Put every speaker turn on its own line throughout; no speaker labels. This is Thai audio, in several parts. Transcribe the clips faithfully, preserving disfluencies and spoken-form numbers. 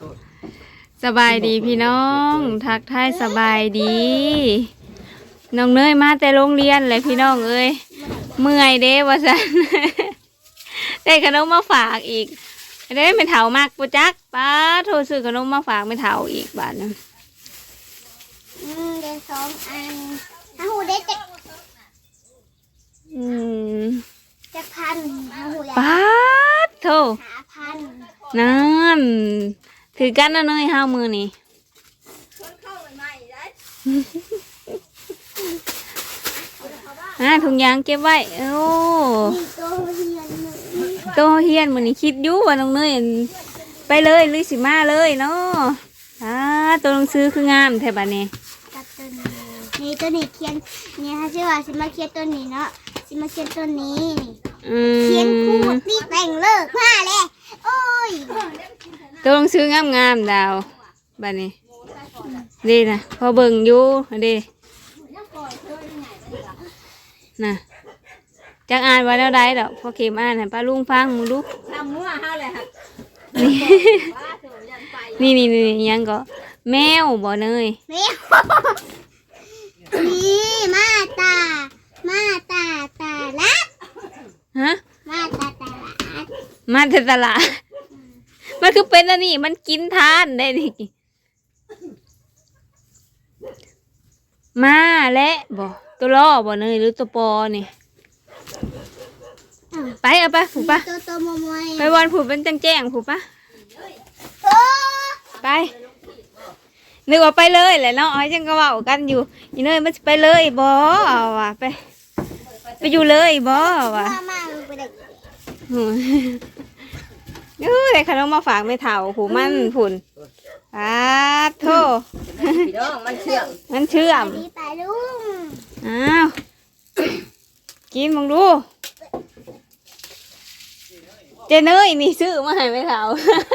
สบายดีพี่น้องทักทายสบายดีน้องเนยมาแต่โรงเรียนเลยพี่น้องเอ้ยเมื่อยเด้ว่าสัน ได้ขนมมาฝากอีกได้ไม่เถามากปุจักป้าโทรซื้อขนมมาฝากไม่เถาอีกบาทนึง
อืมเดือนสองอันถ้าหูได้จะ
อืม
จะพันถ้าหูได้
ป้าโทร
หาพัน
นั่นถือกันนะเนยห้ามือนี่อ่าถุงยางเก็บไว้โอ้โตเฮียนมือนี่คิดอยู่ว่าน้องเนยไปเลยลุยสิมาเลยเนาะอ่าตัวหนังสือคืองามแถบอันนี้
นี่ตัวนี้เขียนนี่ฮะชื่อว่าสิมาเขียนตัวนี้เนาะสิมาเขียนตัวนี้เขียนคู่ตีแต่งเลิกผ้าเลยโอ้ย
ตัวหนังสืองามงามดาวบัดนี้ดีนะพอเบิ่งอยู่ดีนะจักอ่านว่าแล้วได้ดอกพอเข็มอ่านให้ป้าลุงฟังมึงดูทำมั่วเฮาเลยค่ะนี่นี่นี่ยังก็แมวบ่เนย
แมวนี่มาตามาตาตาลัด
ฮะ
มาตาตาลัด
มาแต่ตลาดมันคือเป็นอันนี้มันกินทานได้ดิมาและบ่ตัวล่อบ่เนยหรือตัวปอนี่ไปเอาไปผูกปะไปวันผูกเป็นแจ้งแจ้งผูกปะไปนึกว่าไปเลยแหละเนาะไอ้จังก็ว่ากันอยู่ยี่เนยมันไปเลยบ่ว่ะไปไปอยู่เลยบ่ว่ะเออได้ขนมมาฝากไม่เท่าผูมันผุนอ้าโธ่
มันเชื่อม
มันเชื่อมอ้าวกินมึงดูเจเนยนี่ซื้อมาให้ไม่เท่า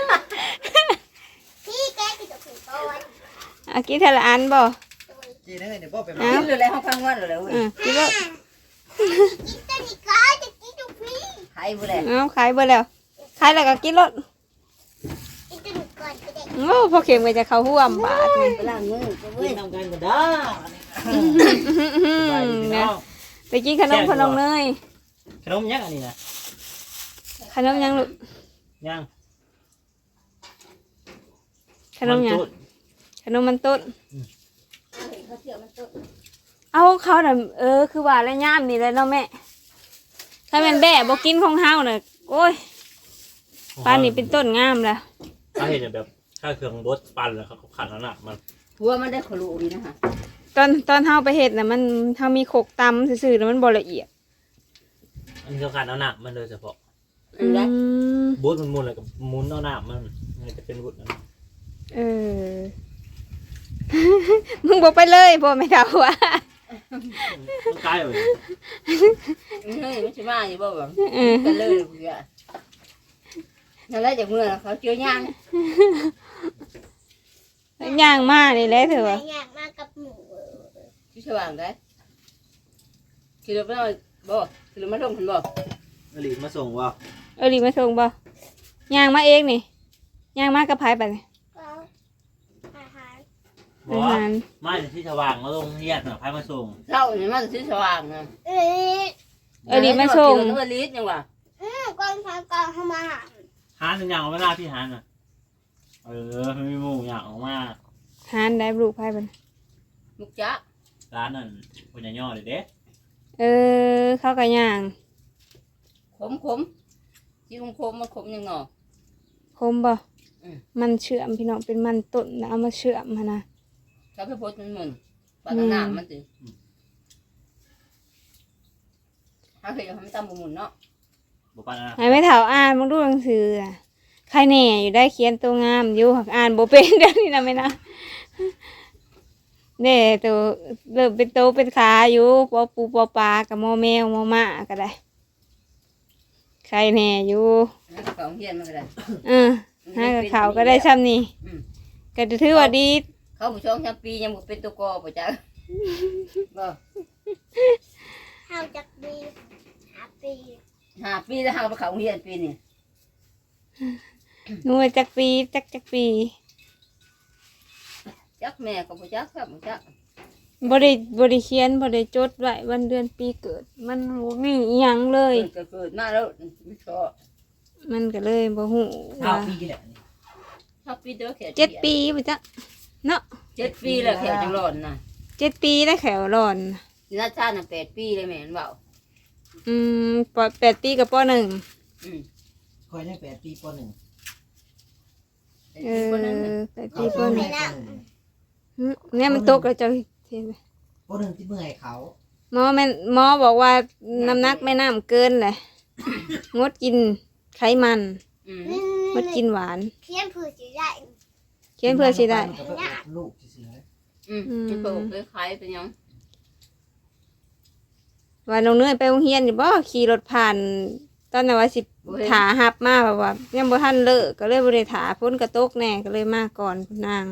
พี่แกกินกับผีโต้
อากินแต่ละอันบ่
กินเลยเดี๋ยวพ่อไปมากินเลยห้องข้างวันเลย
กินแล้ว
กินแต่นี่ก็จะกินกับพี่
ขายบ่แล้ว
เอาขายบ่แล้วขายแล้วก็กินรถ
กินแต่นี่ก่อนก็ได้
โอ้พอเข็มก็จะเข้าห่วมบาทนี่
ไปล้างมือกินทำกันก็ได้
ไปกินขนมขนมเนย
ขนมยังอันนี้นะ
ขนมยังลูก
ยัง
ขนมยังขนมมันต้นเอาเขาน่ะเออคือว่าแล้วย่ามนี่เลยเนาะแม่ถ้าเป็นแบะบอกกินของเฮาน่ะโอ้ยปานนี่เป็นต้นงามแล้ว
ถ้าเห็นแบบถ้าเครื่องบดปั่นแล้วเขาขัดแล้วน่ะมัน
หัวมันได้ขลุ่ยนะคะ
ตอนตอนเฮาไปเห็ดน่ะมันเฮามีโขกตำซื่อๆแล้วมันบ่ละเอียด
อันนี้เขาขัดเอาหนักมันโดยเฉพาะบดมันมุนอะไรกับมุนเอาหนักมันมันจะเป็นบดนั้น
เออมึงบอกไปเลยพ่อไม่เท่าว่ะ
มันใกล้เลย
เฮ้ยไม่ใช่มาอยู่บ่แบบไปเลยเพื่อนั่นแหละจากเมื่อเขาเจอย่าง
ย่างมากนี่แหละเถอะ
ย่างมากกับหมู
ที่สว่างได้คือเราไม่เอาบ่คือเราไม่ส่งคนบ่
อลีมาส่งว่า
เออลีมาส่งบ่ย่างมาเองนี่ย่างมากกับไผ่ไปเลย
อาหารมาจากที่สว่างมาลงเฮียนไผ่มาส่ง
เช้าเนี่ยมาจากที่สว่างนะ
เออ
เออลีมาส่ง
เออลียังวะ
อืมก่อนทางก่อนเข้ามา
หานอย่างเอาเวลาที่หานอ่ะเออไม่มีหมูอย่างออกมา
หานได้ลูกไผ่ไป
มุกจ้า
ร้านนั่นคนย่อเลยเด้
เออเข้ากับย่าง
ขมขมที่ขมขมมันขมยังหนอ
ขมบ่มันเชื่อมพี่น้องเป็นมันต้นแล้วเอามาเชื่อมมานะ
ถ้าไปโพสมันมันปลาหน้ามันสิถ้าเคยทำตามบุญเนาะ
บุปผา
ไอ้ไม่เท่าอ่านมึงดูหนังสือใครแน่อยู่ได้เขียนตัวงามอยู่หักอ่านโบเป็นเดี๋ยวนี้นะไม่นะเนี่ยตัวเริ่มเป็นโตเป็นขาอยู่ปอปูปอปลากับมอแมวมอม้าก็ได้ใครแน่อยู่
ของเฮียนมันก็ได้
เออฮะกับเขาก็ได้ซ้ำนี่ก็จะถือว่าดี
เขาผู้ชมชาปียังบุเป็นตัวกอป่ะจ๊ะบ่
ห้าจักปีห้าปี
ห้าปีแล้วห้าไปเขาเฮียนปีนี่
หนูจักปีจักจักปี
จักแม่ก็บ่จักครับบ่จัก
บริบริเขียนบริจดไว้วันเดือนปีเกิด มันบ่มีอิหยังเลย
เกิดเกิดมาแล้วไม่ชอบ
มันก็เลยบ่ฮู้
ข้า
ว่าว
ปีแหละนี่
ชอบปีเด้อแค่
เจ็ดปีบ่จ๊ะเนาะ
เจ็ดปีแล้วแค่จังหลอนน่ะ
เจ็ดปีได้แขวร้อน
นี่นาชาติน่ะแปดปีเลยแม่นเว้า
อืมปแปดปีกับปหนึ่ง
อืม
คอยได้แปดปีปหนึ่ง
เออ
คนนั้นน่ะ
แปดปีปหนึ่ง
ปหนึ่ง
หึเนี่ยมันตกแล้วเจ้าเห็นไหม
ปหนึ่งที่เมื่อยเขา
หมอแม่นหมอบอกว่าน้ำหนักแม่น้ำเกินแหละงดกินไขมัน
อืม
งดกินหวาน
เขียนผือสีได้
เขียนเพื่อสิได้
มันก็ไปอดลูกเฉย
อืมมันก็คล้ายๆเป็นหยัง
ว่าน้องเนยไปโรงเรียนอยู่บ่ขี่รถผ่าน ตอนนั้นว่าสิถาหับมาแบบว่ายังบ่ทันเลิกก็เลยบ่ได้ถาพ้นกระตกแน่ก็เลยมาก่อนนาง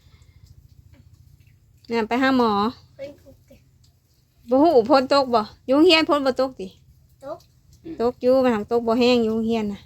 เนี่ยไปหาหมอ
เป็นผูก
บ่ฮู้พ้นตกบ่อยู่โรงเรียนพ้นบ่ตกติ
ตก
ตกอยู่มันหังตกบ่แห้งอยู่โรงเรียนน่ะ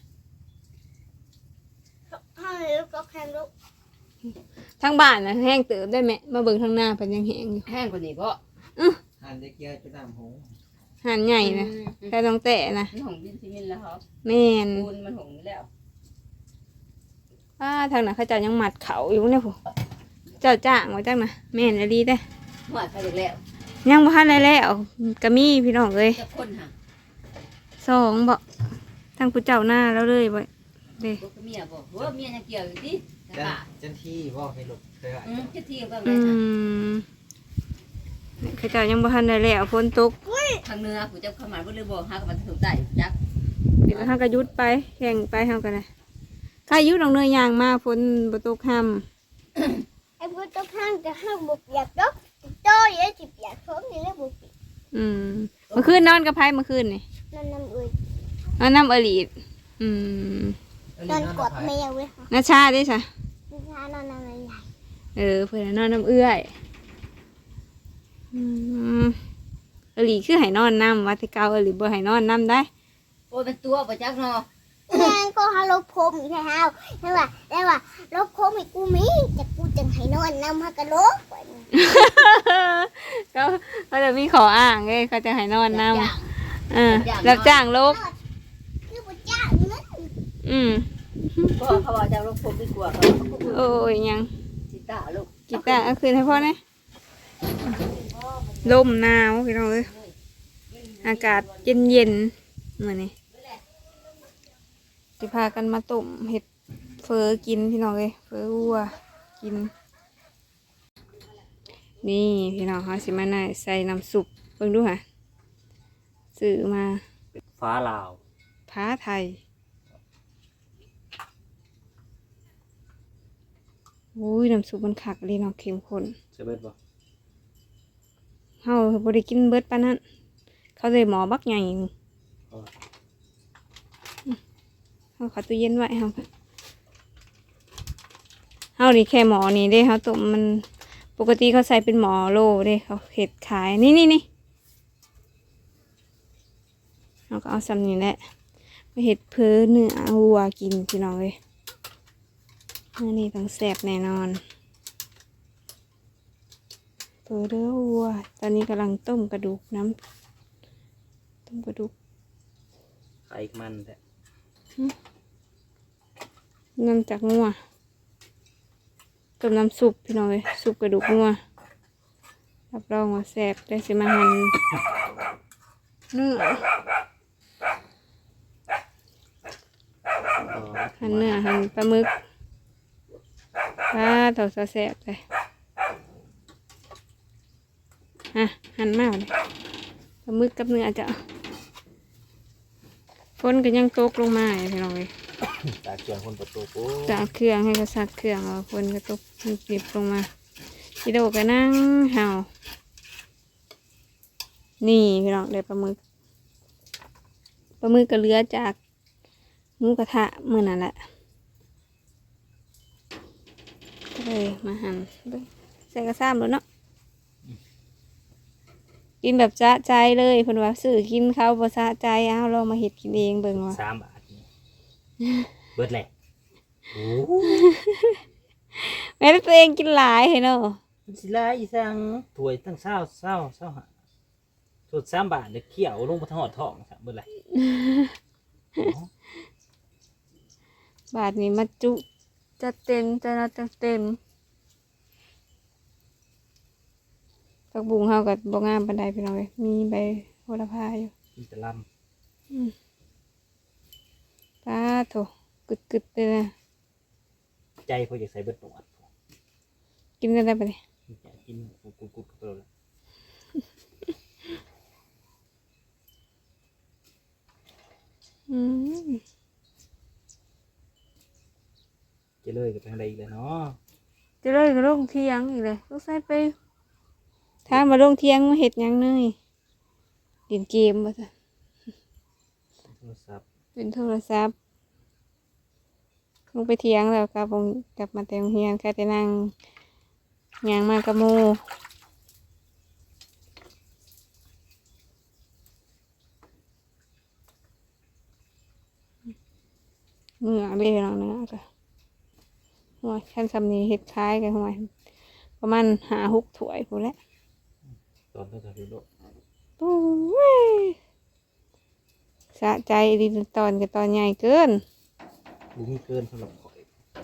ห้องนี้ก็แค่ลูก
ทางบ้านน่ะแห้งเติบได้แม่มาเบิ่งทางหน้าเพิ่นยังแห้งอยู่
แห้งกว่านี้บ่
ๆหันเด็กเยอะจุดน้ำหง
หันใหญ่นะแต่ต้องแตะนะ
มันหงดินซีเมนต์แล้วครับ
แม่น
ปูนมันหงแล้ว
อ้าทางนั้นเขาเจ้ายังหมัดเขาอยู่เนี่ยผู้เจ้าจ้างไว้จังนะแม่นอะดีเด้
หวดไปอีกแล้ว
ยังบ่ทันได้แล้วก็มีพี่น้องเอ้ย
จะคนหา
สองบ่ทางผู้เจ้าหน้าแล้วเลยบ่เด้
บ่คือเมียบ่ว่าเมียยังเกี่ยวอยู่ดิแต่
จัน
ว่า
จันที่ว่าให้หลบเคยอ่ะ
อืมคิดที่ก็
อื
แม่น
มเขาเจ้ายังบ่ทันได้แล้วฝนตก
ทางเหนือผู้เจ้าเข้ามาบ่เลยบ่หากับมันถูกใจจัก
เดี๋ยวเฮาก็หยุดไปแข่งไปเฮาก็ได้ถ้าหยุดน้องเนยยางมาฝนบ่ตกค่ำ
ไอ้พวกตัวข้างจะห้างบุกอยากดกโตเยอะจิบอยากท้องนี่แล้วบุก
อืมเมื่อคืนนอนกับไผเมื่อคืนนี่
นั่นน้ำเอ้ย
นอนน้ำอลีดอืม
นอนกดแมวเว้ยค่ะ
นาชาได้ซะ
นี่ค่ะนอนน้ำอะไรใหญ่
เออเพื่อนนอนน้ำเอื้อยอืมอหลีคือให้นอนน้ำวัดที่เก่าอหลีบ่ให้นอนน้ำได้
โอ้ยเป็นตัวบ่จักเนาะ
แม่ก็ฮาลบพรมอีกแล้วแล้วว่าแล้วว่าลบพรมอีกกูมีแต่กูจังให้นอนน้ำฮักกะโลก
เขาเขาจะมีขออ้างเลยเขาจะให้นอนน้
จ้าง
ำเออรับจ้างโลก
คือบุจ้าเงิน
อืม
ก็เขาว่าจะลบผมดีกว่าเขา
โอ้ยยัง
จิตาลูก
กีตาร์เอาคืนให้พ่อนะลมหนาวพี่น้องเอ้ยอากาศเย็นเย็นๆเหมือนนี่จะพากันมาต้มเห็ดเฟอกินพี่น้องเอ้ยเฟอวัวกิน นี่พี่น้องเขาสิมาหน่อยใส่น้ำซุปเบิ่งดูค่ะซื้อมา
ฟ้าลาว
ผ้าไทยอุ้ยน้ำซุปมันคักเลยเนาะเข้มข้น
เซเบิดบ่
เฮาบ่ได้กินเบิดปานนั้น เขาเลยหมอบักใหญ่หนึ่งเฮาเข้าตู้เย็นไว้เฮาเฮานี่แค่หมอนี่เด้เฮาต้มมันปกติเขาใส่เป็นหมอโลเด้เขาเฮ็ดขายนี่นี่นี่เฮาก็เอาซ้ำนี่แหละไปเฮ็ดเพื่อเนื้อวัวกินพี่น้องเอ้ยเนื้อนี่ต้องแซ่บแน่นอนเพื่อเนื้อวัวตอนนี้กำลังต้มกระดูกน้ำต้มกระดูก
ไข่มันแท้
น้ำจากงัวกับน้ำซุปพี่น้องเลยซุปกระดูกงัวรับรองว่าแซ่บได้สิมาหั่นเนื้อหั่นเนื้อหั่นปลาหมึกปลาเต่าซาแซ่บเลยฮะหั่นมากเลยปลาหมึกกับเนื้อจะฝนก็ยังตกลงมาอยู่พี่น้องเลย
จากเชียงคนประตูปุ๊
จากเครื่องให้ก็ซักเครื่องเอาฝนก็ตกหยิบลงมาพี่โดก็นั่งเห่านี่พี่น้องได้ปลาหมึกปลาหมึกก็เหลือจากหมูกระทะมื้อนั่นแหละก็เลยมาหั่นเบิ่งใส่กระซ้ำแล้วเนาะกินแบบสะใจเลยเพิ่นว่าซื้อกินเขาบ่สะใจเอาลองมาเฮ็ดกินเองเบิ่งว่า
สามบาทนี่เบิดแหละโอ้
แม่ตัวเองกินหลายเนาะ
มันสิลายอีสังถ้วยตั้งเศร้าเศร้าเศร้าหาสุดสามบาทเด็กเขียวลงมาทอดท้องสามเบิดเลย
บาทนี้มาจุจะเต็มจะนัดเต็มผักบุ้งเฮากับบ่งามปานใดพี่น้องเอ้ยมีใบโหระพาอยู่
กินแต่ล
ป้าโถกึดๆเลยนะ
ำใจพออยากใส่เบิดหนวด
กินกันได้ปะเนี่ย
อยากกินกุดกุดกุดกุดเลย
อืม
จะเลยกับทางใดอีกแล้วเนาะ
จะเลยก็ลงเที่ยงอีกเลยต้องใส่ไปถ้ามาลงเที่ยงมาเห็ดหยังเนยเล่นเกมบ่ซะ
โทรศัพท์
เป็นโทรศัพท์ลงไปเที่ยงแล้วกลับงกลับมาแต่โรงเรียนก็จะนั่งยางมากระโมเหงื่อเลยน้องเนื้อก็หัวชั้นสำนีเห็ดคล้ายกันหัวประมาณหาหกถ้วยพูดแล้ว
ตอนต้องทำดูโลก
โอ้ยสะใจดีตอนกับตอนใหญ่เกิน
บุมีเกินสำหรับข่อย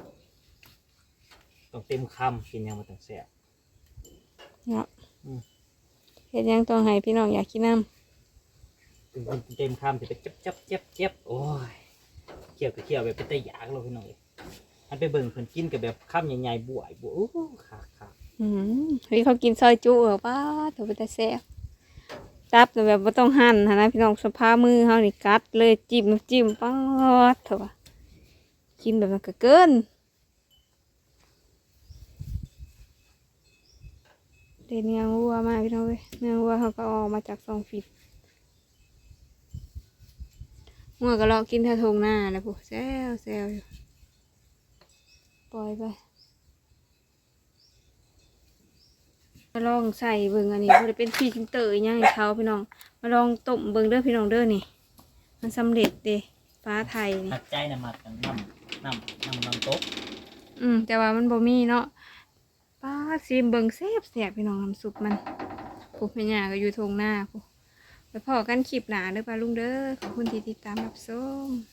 ต้องเต็มคำกินยังมาตั้งแซ่บ
เนาะเห็ดหยังต้องให้พี่น้องอยากกินน้
ถึงเต็มคำจะไปเจ็บเจ็บเจ็บเจ็บโอ้ยเคี่ยวกับเคี่ยวแบบเป็นตะยากเราพี่น้องเลยมันไปเบิ่งเพิ่นกินกับแบบคำใหญ่ๆบวยบวยโอ้ขาขา
ำอืมเฮ้ยเขากินซอยจุเหรอป้าถือว่าแต่แซ่บจับแต่แบบไม่ต้องหั่นหั้นนะพี่น้องสภาพมือเขานี่กัดเลยจิ้มจิ้มป้าดเถอะวะกินแบบนั้นก็เกินเดี๋ยวเนื้อวัวมาพี่น้องเว้ยเนื้อวัวเขาก็ออกมาจากซองฟิตงัวก็เลาะกินแถวทงหน้าแล้วพวกแซวแซวอยู่ปล่อยไปมาลองใส่เบิ่งอันนี้มันจะเป็นฟีจิงเตอร์อย่างให้เขาพี่น้องมาลองต้มเบิ่งเด้อพี่น้องเด้อนี่มันสำเร็จเด้ฟ้าไทยนี่
หักใจนะมากันน้ำน้ำน้ำน้ำโต๊ะ
อืมแต่ว่ามันบ่มีเนาะป้าซีมเบิ่งแซ่บแซ่บพี่น้องน้ำซุปมันพวกแม่ย่าก็อยู่ทงหน้าพวกไปพอกันคลิปหนาเด้อป้าลุงเด้อขอบคุณที่ติดตามรับชม